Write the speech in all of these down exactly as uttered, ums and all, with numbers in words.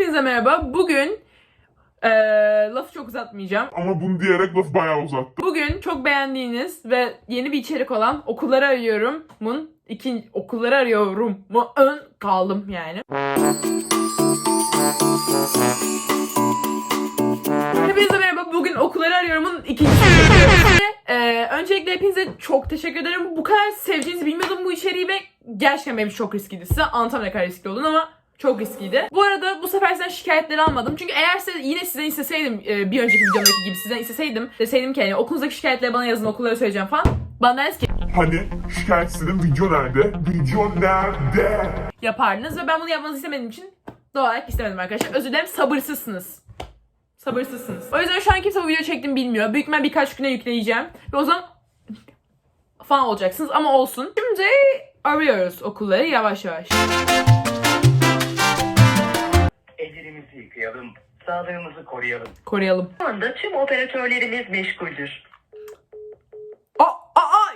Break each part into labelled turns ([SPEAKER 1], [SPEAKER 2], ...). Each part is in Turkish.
[SPEAKER 1] Hepinize merhaba. Bugün ee, lafı çok uzatmayacağım.
[SPEAKER 2] Ama bunu diyerek lafı bayağı uzattım.
[SPEAKER 1] Bugün çok beğendiğiniz ve yeni bir içerik olan Okulları Arıyorum'un ikinci Okulları Arıyorum mu ön kaldım yani. Hepinize merhaba. Bugün Okulları Arıyorum'un ikinci ee, öncelikle hepinize çok teşekkür ederim. Bu kadar sevdiğinizi bilmiyordum bu içeriği ve gerçekten benim için çok riskiydi. Size anlatamam ne kadar riskli olduğunu ama çok riskiydi. Bu arada bu sefer sizden şikayetleri almadım. Çünkü eğer size, yine sizden isteseydim e, bir önceki videomdaki gibi sizden isteseydim deseydim ki yani okulunuzdaki şikayetleri bana yazın, okullara söyleyeceğim falan. Bana deriz ki
[SPEAKER 2] Hani şikayet istedim, video nerede? Video nerede?
[SPEAKER 1] yapardınız ve ben bunu yapmanızı istemediğim için doğal olarak istemedim arkadaşlar. Özür dilerim, sabırsızsınız. Sabırsızsınız. O yüzden şu an kimse bu video çektiğimi bilmiyor. Büyük ihtimalle birkaç güne yükleyeceğim. Ve o zaman falan olacaksınız ama olsun. Şimdi arıyoruz okulları yavaş yavaş.
[SPEAKER 3] Ellerimizi yıkayalım, sağlığımızı koruyalım.
[SPEAKER 1] Koruyalım.
[SPEAKER 3] Şu anda tüm operatörlerimiz meşguldür.
[SPEAKER 1] Aa, aa,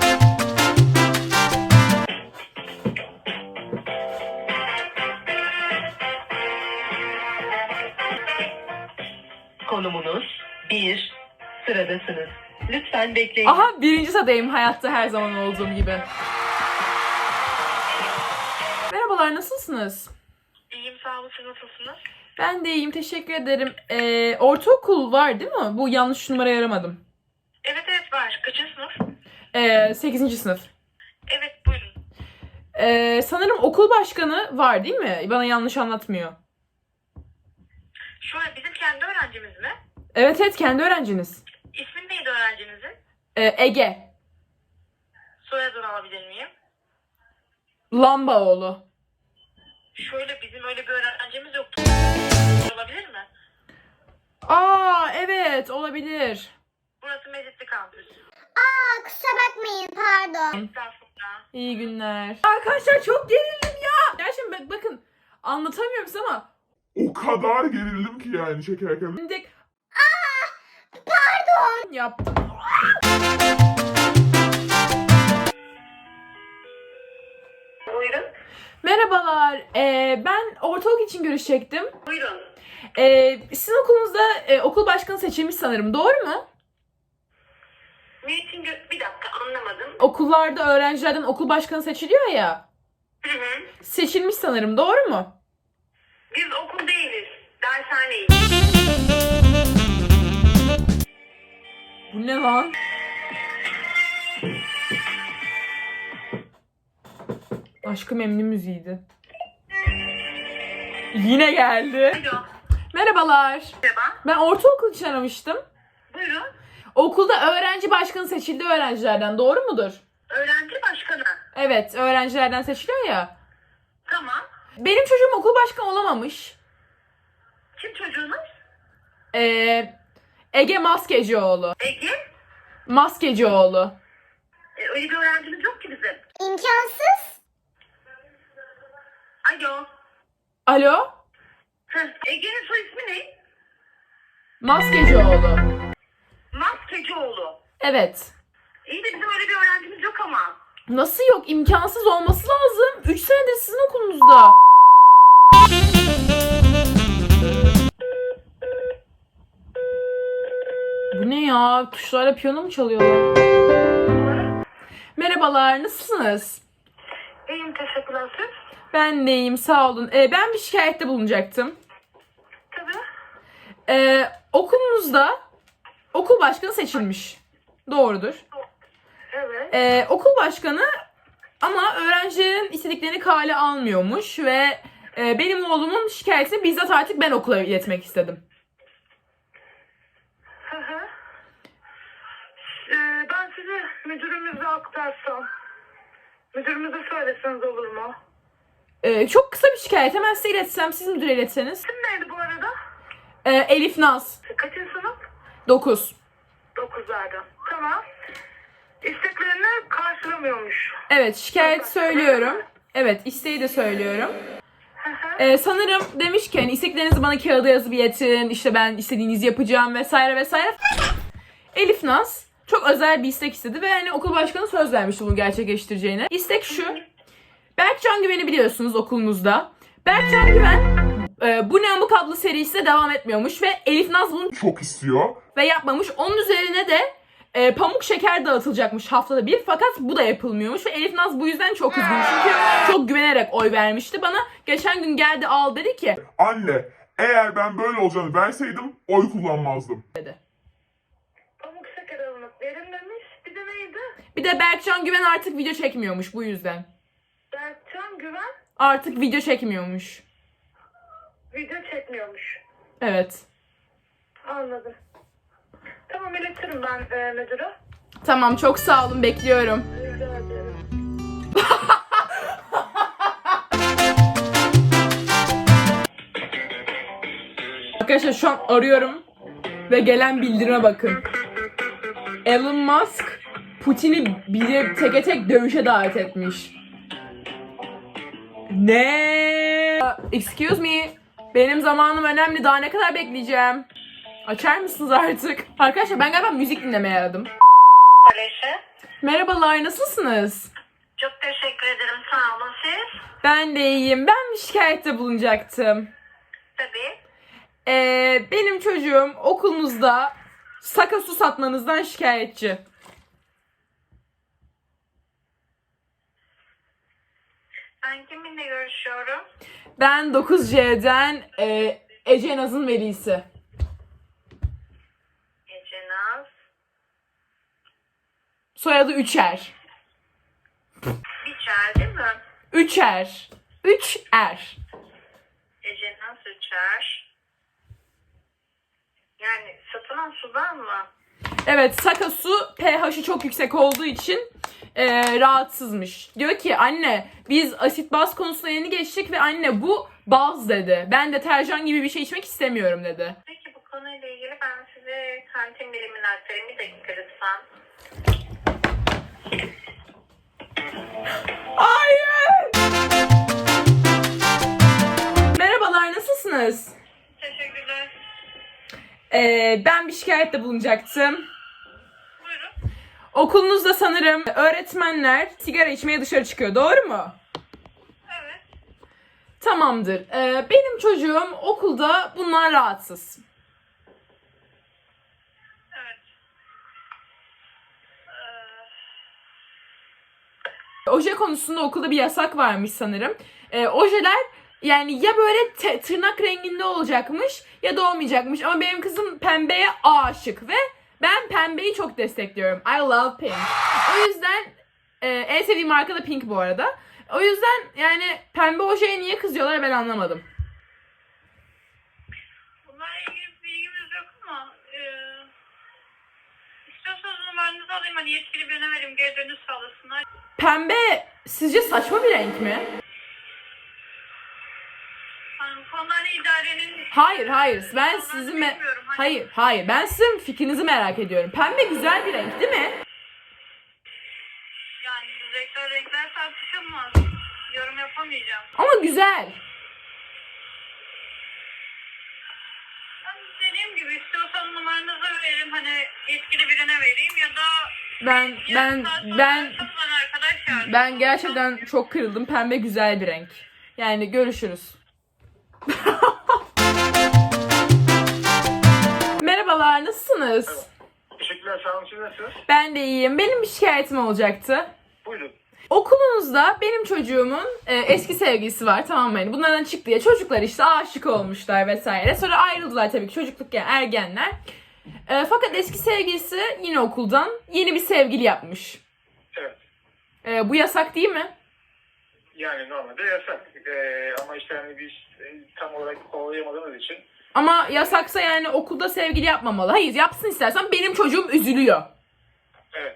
[SPEAKER 3] Konumunuz bir, sıradasınız. Lütfen bekleyin.
[SPEAKER 1] Aha, birinci sıradayım hayatta her zaman olduğum gibi. Merhabalar, nasılsınız?
[SPEAKER 4] İyiyim, sağ olun. Siz nasılsınız?
[SPEAKER 1] Ben de iyiyim, teşekkür ederim. Ee, ortaokul var değil mi? Bu yanlış numarayı aramadım.
[SPEAKER 4] Evet evet var. Kaçıncı sınıf?
[SPEAKER 1] Ee, sekizinci sınıf.
[SPEAKER 4] Evet, buyurun.
[SPEAKER 1] Ee, sanırım okul başkanı var değil mi? Bana yanlış anlatmıyor.
[SPEAKER 4] Şöyle, bizim kendi öğrencimiz mi?
[SPEAKER 1] Evet evet, kendi öğrenciniz.
[SPEAKER 4] İsmin neydi öğrencinizin?
[SPEAKER 1] Ee, Ege.
[SPEAKER 4] Soyadını alabilir miyim?
[SPEAKER 1] Lambaoğlu.
[SPEAKER 4] Şöyle, bizim öyle bir öğrencimiz yoktu. Olabilir mi?
[SPEAKER 1] Aa evet, olabilir.
[SPEAKER 4] Burası Mezitli kampüs.
[SPEAKER 5] Aa, kusura bakmayın, pardon.
[SPEAKER 4] Estağfurullah.
[SPEAKER 1] İyi günler. Arkadaşlar çok gerildim ya. Gerçekten bak, bakın anlatamıyorum size ama
[SPEAKER 2] O kadar gerildim ki yani çekerken.
[SPEAKER 1] şimdi pardon yaptım.
[SPEAKER 4] Buyurun.
[SPEAKER 1] Merhabalar. Ee, ben ortaokul için görüşecektim.
[SPEAKER 4] Buyurun.
[SPEAKER 1] Ee, sizin okulunuzda e, okul başkanı seçilmiş sanırım. Doğru mu?
[SPEAKER 4] Ne için gö- Bir dakika, anlamadım.
[SPEAKER 1] Okullarda öğrencilerden okul başkanı seçiliyor ya.
[SPEAKER 4] Hı hı.
[SPEAKER 1] Seçilmiş sanırım. Doğru mu?
[SPEAKER 4] Biz okul değiliz. Dershaneyiz.
[SPEAKER 1] Bu ne lan? Aşkı Memnu müziğiydi. Yine geldi.
[SPEAKER 4] Alo.
[SPEAKER 1] Merhabalar.
[SPEAKER 4] Merhaba.
[SPEAKER 1] Ben ortaokul için aramıştım.
[SPEAKER 4] Buyurun.
[SPEAKER 1] Okulda öğrenci başkanı seçildi öğrencilerden. Doğru mudur?
[SPEAKER 4] Öğrenci başkanı.
[SPEAKER 1] Evet, öğrencilerden seçiliyor ya.
[SPEAKER 4] Tamam.
[SPEAKER 1] Benim çocuğum okul başkanı olamamış.
[SPEAKER 4] Kim çocuğunuz?
[SPEAKER 1] Ee, Ege Maskecioğlu.
[SPEAKER 4] Ege.
[SPEAKER 1] Maskecioğlu.
[SPEAKER 4] E, öyle bir öğrencimiz yok ki bizim.
[SPEAKER 5] İmkansız.
[SPEAKER 4] Alo.
[SPEAKER 1] Alo?
[SPEAKER 4] Heh, Ege'nin soy ismi ne?
[SPEAKER 1] Maskecioğlu.
[SPEAKER 4] Maskecioğlu.
[SPEAKER 1] Evet.
[SPEAKER 4] İyi de bizim öyle bir öğrencimiz yok ama.
[SPEAKER 1] Nasıl yok? İmkansız olması lazım. üç senedir sizin okulunuzda. Bu ne ya? Tuşlarla piyano mu çalıyorlar? Merhabalar, nasılsınız?
[SPEAKER 4] İyiyim, teşekkürler. Siz?
[SPEAKER 1] Ben de iyiyim, sağ olun. Ee, ben bir şikayette bulunacaktım.
[SPEAKER 4] Tabii.
[SPEAKER 1] Ee, okulunuzda okul başkanı seçilmiş. Doğrudur.
[SPEAKER 4] Evet.
[SPEAKER 1] Ee, okul başkanı ama öğrencilerin istediklerini kale almıyormuş ve e, benim oğlumun şikayetini bizzat artık ben okula iletmek istedim.
[SPEAKER 4] Hı hı. Ee, ben sizi müdürümüze aktarsam. Müdürümüze söyleseniz olur mu?
[SPEAKER 1] Ee, çok kısa bir şikayet. Hemen size iletsem, siz müdüre iletseniz.
[SPEAKER 4] İsim neydi bu arada?
[SPEAKER 1] Ee, Elif Naz.
[SPEAKER 4] Kaçıncı sınıf?
[SPEAKER 1] dokuz.
[SPEAKER 4] Dokuzlarda. Tamam. İsteklerini karşılamıyormuş.
[SPEAKER 1] Evet, şikayet söylüyorum. Evet, isteği de söylüyorum.
[SPEAKER 4] Hı hı.
[SPEAKER 1] Ee, sanırım demiş ki hani isteklerinizi bana kağıda yazıp iletin. İşte ben istediğinizi yapacağım vesaire vesaire. Elif Naz çok özel bir istek istedi ve hani okul başkanı söz vermişti bunu gerçekleştireceğine. İstek şu. Berkcan Güven'i biliyorsunuz okulunuzda. Berkcan Güven e, Bu Ne Amık adlı serisi de devam etmiyormuş ve Elif Naz bunu
[SPEAKER 2] çok istiyor.
[SPEAKER 1] ve yapmamış. Onun üzerine de e, pamuk şeker dağıtılacakmış haftada bir, fakat bu da yapılmıyormuş ve Elif Naz bu yüzden çok üzgün çünkü çok güvenerek oy vermişti bana. Geçen gün geldi al dedi ki
[SPEAKER 2] Anne, eğer ben böyle olacağını verseydim oy kullanmazdım.
[SPEAKER 1] dedi.
[SPEAKER 4] Pamuk şeker alınıp verin demiş. Bir de neydi?
[SPEAKER 1] Bir de Berkcan Güven artık video çekmiyormuş bu yüzden.
[SPEAKER 4] Berkcan Güven
[SPEAKER 1] Artık video çekmiyormuş.
[SPEAKER 4] video çekmiyormuş.
[SPEAKER 1] Evet.
[SPEAKER 4] Anladım. Tamam, iletirim ben e, müdüre.
[SPEAKER 1] Tamam, çok sağ olun, bekliyorum.
[SPEAKER 4] Rica ederim.
[SPEAKER 1] Arkadaşlar şu an arıyorum ve gelen bildirime bakın. Elon Musk Putin'i bir teke tek dövüşe davet etmiş. Ne? Excuse me. Benim zamanım önemli. Daha ne kadar bekleyeceğim? Açar mısınız artık? Arkadaşlar ben galiba müzik dinlemeye aradım.
[SPEAKER 4] Aleyşe.
[SPEAKER 1] Merhabalar, nasılsınız?
[SPEAKER 4] Çok teşekkür ederim. Sağ olun siz.
[SPEAKER 1] Ben de iyiyim. Ben bir şikayette bulunacaktım.
[SPEAKER 4] Tabii.
[SPEAKER 1] Ee, benim çocuğum okulunuzda saka su satmanızdan şikayetçi.
[SPEAKER 4] Ben kiminle görüşüyorum?
[SPEAKER 1] Ben dokuz C'den e, Ece Naz'ın velisi.
[SPEAKER 4] Ece Naz.
[SPEAKER 1] Soyadı Üçer.
[SPEAKER 4] Biçer değil mi?
[SPEAKER 1] Üçer. Üç er.
[SPEAKER 4] Ece Naz Üçer. Yani satılan sudan mı?
[SPEAKER 1] Evet, saka su pH'i çok yüksek olduğu için e, rahatsızmış. Diyor ki anne biz asit baz konusuna yeni geçtik ve anne bu baz dedi. Ben deterjan gibi bir şey içmek istemiyorum dedi.
[SPEAKER 4] Peki bu konuyla ilgili ben size kantin birimini aktarayım. Bir dakika lütfen.
[SPEAKER 1] Hayır! Merhabalar, nasılsınız?
[SPEAKER 4] Teşekkürler.
[SPEAKER 1] Ee, ben bir şikayette bulunacaktım.
[SPEAKER 4] Buyurun.
[SPEAKER 1] Okulunuzda sanırım öğretmenler sigara içmeye dışarı çıkıyor, doğru mu?
[SPEAKER 4] Evet.
[SPEAKER 1] Tamamdır. Ee, benim çocuğum okulda bunlar rahatsız.
[SPEAKER 4] Evet.
[SPEAKER 1] Oje konusunda okulda bir yasak varmış sanırım. Ee, ojeler yani ya böyle te- tırnak renginde olacakmış ya da olmayacakmış. Ama benim kızım pembeye aşık ve ben pembeyi çok destekliyorum. I love pink. O yüzden e, en sevdiğim marka da pink bu arada. O yüzden yani pembe ojeye niye kızıyorlar ben anlamadım.
[SPEAKER 4] Bunlarla ilgili bir bilgimiz yok ama e, istiyorsanız numaranızı alayım, hani yetkili birine vereyim, geri dönüş sağlasınlar.
[SPEAKER 1] Pembe sizce saçma bir renk mi?
[SPEAKER 4] Hani bu konularla idarenin...
[SPEAKER 1] Hayır hayır ben
[SPEAKER 4] Onları
[SPEAKER 1] sizin me-
[SPEAKER 4] bilmiyorum, hani-
[SPEAKER 1] hayır hayır ben sizin fikrinizi merak ediyorum. Pembe güzel bir renk değil mi?
[SPEAKER 4] Yani renkler renkler tartışılmaz. Yorum yapamayacağım.
[SPEAKER 1] Ama güzel.
[SPEAKER 4] Ben dediğim gibi istiyorsan numaranızı verin, hani yetkili birine vereyim ya da...
[SPEAKER 1] Ben
[SPEAKER 4] yarım
[SPEAKER 1] ben
[SPEAKER 4] saat sonra
[SPEAKER 1] ben
[SPEAKER 4] ararsanız bana arkadaş yardımcı
[SPEAKER 1] ben
[SPEAKER 4] olsun.
[SPEAKER 1] gerçekten çok kırıldım. Pembe güzel bir renk. Yani görüşürüz. Merhabalar, nasılsınız?
[SPEAKER 3] Teşekkürler, sağ olun. Siz nasılsınız?
[SPEAKER 1] Ben de iyiyim. Benim bir şikayetim olacaktı.
[SPEAKER 3] Buyurun.
[SPEAKER 1] Okulunuzda benim çocuğumun e, eski sevgilisi var, tamam mı? Yani bunlardan çıktı ya, çocuklar işte aşık olmuşlar vesaire. Sonra ayrıldılar tabii ki, çocuklukken ergenler. E, fakat eski sevgilisi yine okuldan yeni bir sevgili yapmış.
[SPEAKER 3] Evet.
[SPEAKER 1] E, bu yasak değil mi?
[SPEAKER 3] Yani normalde yasak. Ee, ama işte hani biz e, tam olarak kovalayamadığımız için.
[SPEAKER 1] Ama yasaksa yani okulda sevgili yapmamalı. Hayır, yapsın istersen, benim çocuğum üzülüyor.
[SPEAKER 3] Evet.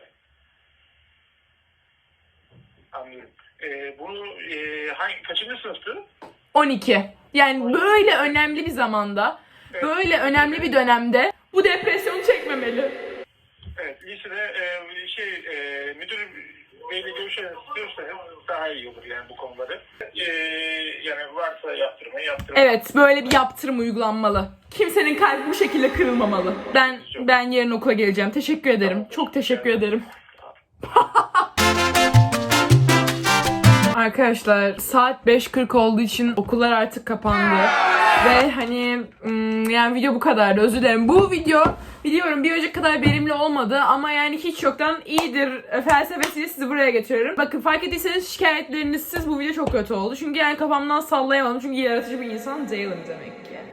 [SPEAKER 3] Anlıyorum. Ee, bunu e, hangi, kaçıncı sınıftı?
[SPEAKER 1] on iki. Yani böyle önemli bir zamanda, böyle önemli bir dönemde bu depresyonu çekmemeli.
[SPEAKER 3] Evet. Lisede e, şey e, müdür beyle görüşelim istiyorsanız daha iyi olur yani bu konuları. Ee, yani varsa yaptırmayı yaptırmayı.
[SPEAKER 1] Evet, böyle bir yaptırım uygulanmalı. Kimsenin kalbi bu şekilde kırılmamalı. Ben ben yarın okula geleceğim. Teşekkür ederim. Çok teşekkür ederim. Arkadaşlar saat beş kırk olduğu için okullar artık kapandı. Ve hani hmm, yani video bu kadardı, özür dilerim. Bu video biliyorum bir önceki kadar verimli olmadı ama yani hiç yoktan iyidir felsefesiyle sizi buraya getiriyorum. Bakın fark ettiyseniz şikayetlerinizsiz bu video çok kötü oldu. Çünkü yani kafamdan sallayamadım çünkü yaratıcı bir insan değilim demek ki.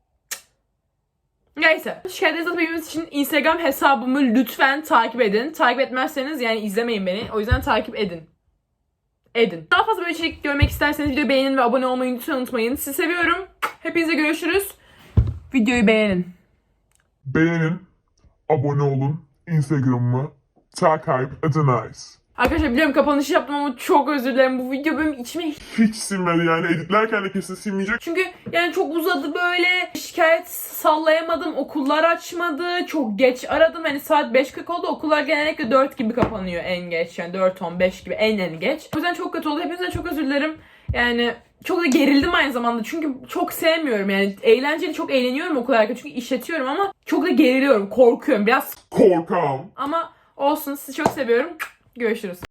[SPEAKER 1] Neyse. Şikayetlerinizi atabilmemiz için Instagram hesabımı lütfen takip edin. Takip etmezseniz yani izlemeyin beni. O yüzden takip edin. Edin. Daha fazla böyle içerik görmek isterseniz videoyu beğenin ve abone olmayı lütfen unutmayın. Sizi seviyorum. Hepinize görüşürüz. Videoyu beğenin.
[SPEAKER 2] Beğenin, abone olun, Instagram'ımı takip ediniz.
[SPEAKER 1] Arkadaşlar biliyorum kapanışı yaptım ama çok özür dilerim. Bu video benim içime
[SPEAKER 2] Hiç sinmedi yani, editlerken de kesin sinmeyecek.
[SPEAKER 1] çünkü yani çok uzadı böyle. Şikayet sallayamadım. Okullar açmadı. Çok geç aradım. Hani saat beş kırk oldu. Okullar genellikle dört gibi kapanıyor en geç. Yani dört on beş gibi en en geç. O yüzden çok kötü oldu. Hepinizden çok özür dilerim. Yani çok da gerildim aynı zamanda. Çünkü çok sevmiyorum yani. Eğlenceli, çok eğleniyorum okullarken. Çünkü işletiyorum ama çok da geriliyorum. Korkuyorum biraz.
[SPEAKER 2] Korkam.
[SPEAKER 1] Ama olsun. Sizi çok seviyorum. Görüşürüz.